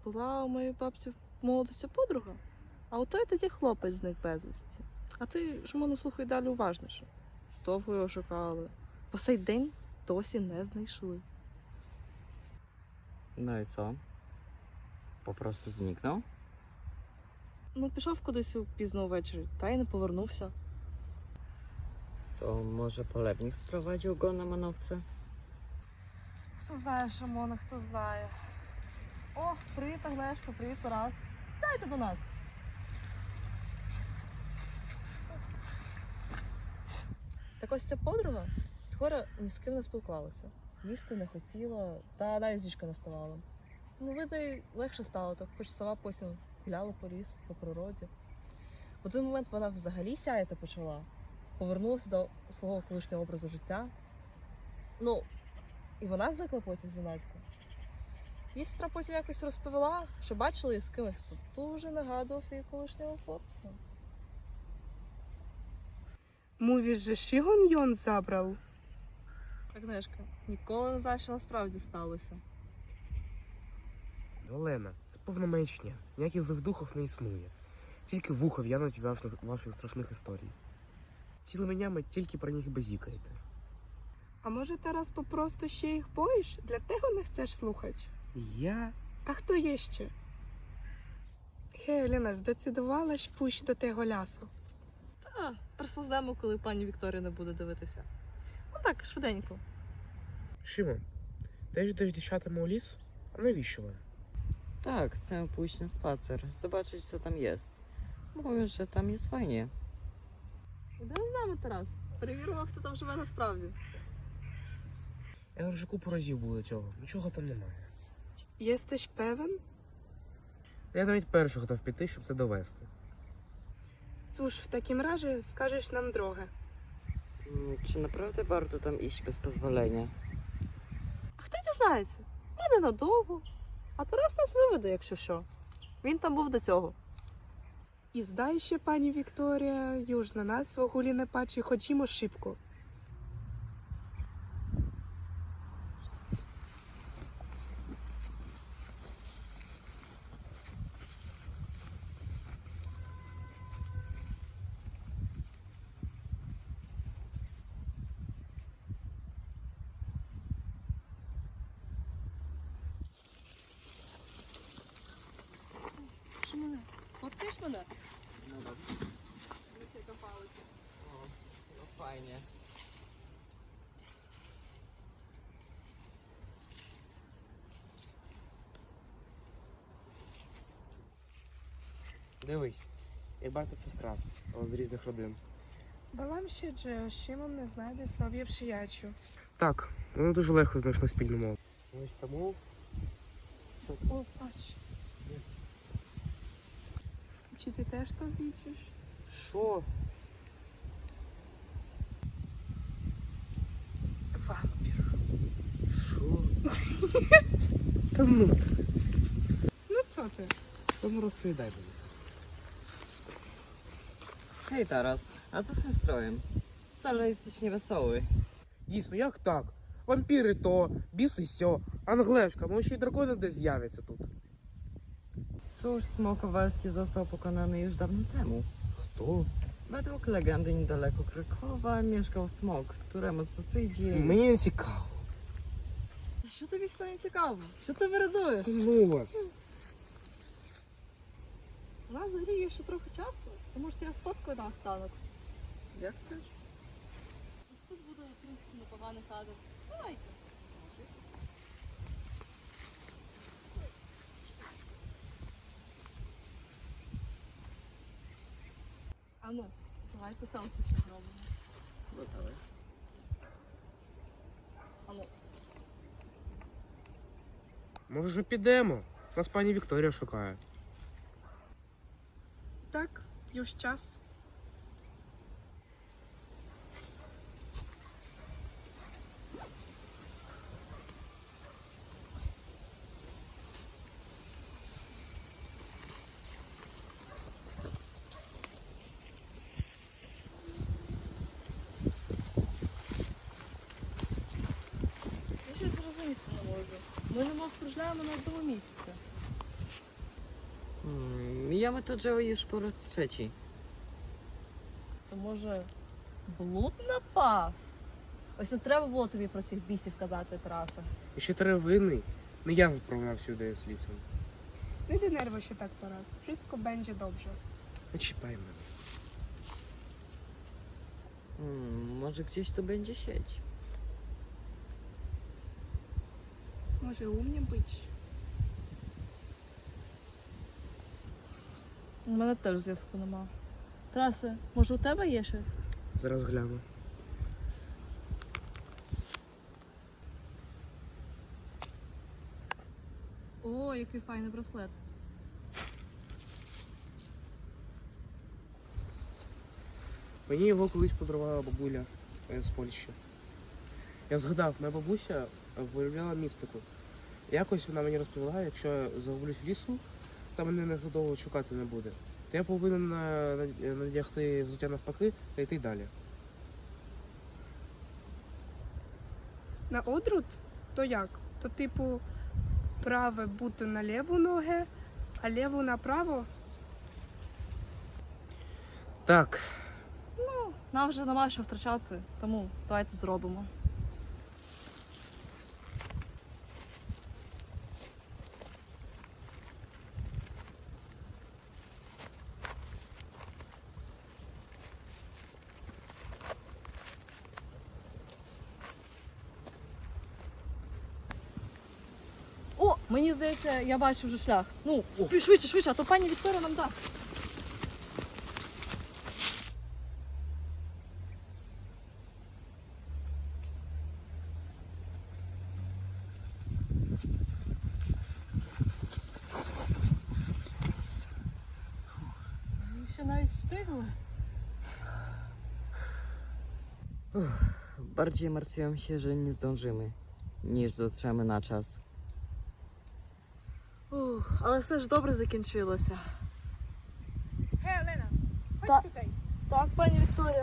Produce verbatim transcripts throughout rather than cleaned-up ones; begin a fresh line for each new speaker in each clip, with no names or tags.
була у моєї бабці в молодості подруга, а отой тоді хлопець зник безвісті. А ти ж мене слухай далі уважніше. Довго його шукали. По сей день досі не знайшли.
No i co? Po prostu zniknął?
Ну, пішов кудись пізно ввечері, та й не повернувся.
To może polewnik sprowadził go na manowce?
Хто знає, Шамона, хто знає. О, привіт, Агнешко, привіт, Тарас. Дайте до нас. Так ось ця подруга скоро ні з ким не спілкувалася. Їсти не хотіла, та навіть з ліжка не ставала. Ну, видно, їй легше стало, так хоч сама потім гуляла по лісу, по природі. В один момент вона взагалі сяяти почала. Повернулася до свого колишнього образу життя. Ну, і вона зникла потім зненацька. Її сестра потім якось розповіла, що бачила її з кимось, хто дуже нагадував її колишнього хлопця.
Mówisz, że Шигон ją zabrał?
Агнешка, ніколи не знає, що насправді сталося.
Олена, це повна маячня. Ніяких злих духів не існує. Тільки вуха в'януть ваших, ваших страшних історій. Цілими днями тільки про них базікаєте.
A może teraz po prostu się ich boisz? Dlatego nie chcesz słuchać?
Я?
A kto jeszcze? Hej, Олена, здecydowalaś pójść do tego lasu?
Та, прислузнемо, коли пані Вікторія не буде дивитися. Ну так, швиденько.
Шимон, ти йдеш дівчатами у ліс? А навіщо вам?
Tak, chcę pójść na spacer, zobaczyć co tam jest. Mówią, że tam jest fajnie.
Ідемо з нами, Тарас. Перевіримо, хто там живе насправді.
Я вже купу разів був до цього. Нічого там немає.
Jesteś pewien?
Я навіть перший готов піти, щоб це довести.
Cóż, w takim razie skażesz nam drogę.
Mm, Czy naprawdę warto tam iść bez pozwolenia?
А хто дізнається? Ми ненадовго. А Тарас нас виведе, якщо що. Він там був до цього.
I zdaje się, pani Wiktoria, już na nas w ogóle nie patrzy, chodzimy szybko.
Що мене? Фоткаєш мене?
No dobrze. O, no fajnie.
Дивись, як брат та сестра, але з різних родин.
Bałam się, że Szymon nie znajdzie sobie przyjaciół.
Так, вони дуже легко знайшли спільну мову. Ось тому.
O, patrz. Czy ty też to widzisz?
Що?
Wampir.
Що? Та ну ти.
No co ty?
Тому розповідай мені.
Hej Taras, a co z tym strojem? Wcale jesteś niewesoły.
Дійсно, як так? Вампіри то, біси сьо, Англешка, може ще й дракони десь з'являться тут.
Cóż, smok kowalski został pokonany już dawno temu.
Хто?
Według legendy niedaleko Krakowa mieszkał smok, któremu co tydzień...
Мені не цікаво.
А що тобі все не цікаво? Що ти виразуєш?
Ну вас.
У нас взагалі є ще трохи часу, то може я сфоткаю на останок.
Jak chcesz?
Ось тут буде, в принципі, непоганий кадр. Давайте. А ну, давайте селфі ще зробимо.
No dawaj.
А ну.
Може вже підемо? Нас пані Вікторія шукає.
Tak, już czas.
Я щось зрозуміти не можу. Ми немов кружляємо на одному місці.
Hmm, Mijamy to drzewo już po raz trzeci.
То може блуд напав? Ось не треба було тобі про цих бісів казати, Тараса.
І ще треба винний. Не я заправляв сюди з лісом.
Не denerwuj się tak teraz. Wszystko będzie dobrze.
Не чіпай мене.
Hmm, może gdzieś tu będzie sieć.
Może u mnie być?
У мене теж зв'язку нема. Тарасе, може у тебе є щось?
Зараз гляну.
О, який файний браслет.
Мені його колись подарувала бабуля е, з Польщі. Я згадав, моя бабуся е, виявляла містику. Якось вона мені розповіла, якщо я загублюсь в лісу, та мене ніхто довго шукати не буде. То я повинен е, над- надягти взуття навпаки та йти далі.
На одрут? То як? То типу праве бути на ліву ногу, а ліву направо?
Так,
Нам вже нема що втрачати, тому давайте зробимо. О, мені здається, я бачу вже шлях. Ну, швидше, швидше, а то пані Вікторія нам дасть. Ми ще навіть встигли.
Bardziej martwiłam się, że nie zdążymy, niż dotrzemy na czas.
Ух, але все ж добре закінчилося.
Гей, Олена,
Та-
chodź tutaj.
Так, пані Вікторія.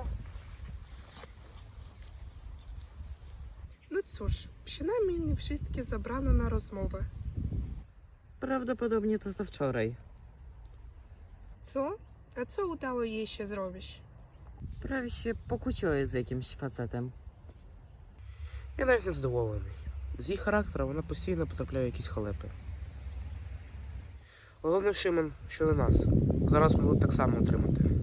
No cóż, przynajmniej nie wszystkie zabrano na rozmowę.
Prawdopodobnie to za wczoraj.
Co? A co udało jej się zrobić?
Prawie się pokłóciła z jakimś facetem.
я навіть не задоволений. З її характера вона постійно потрапляє в якісь халепи. Головне, Шимон, що не нас. Зараз могли б так само отримати.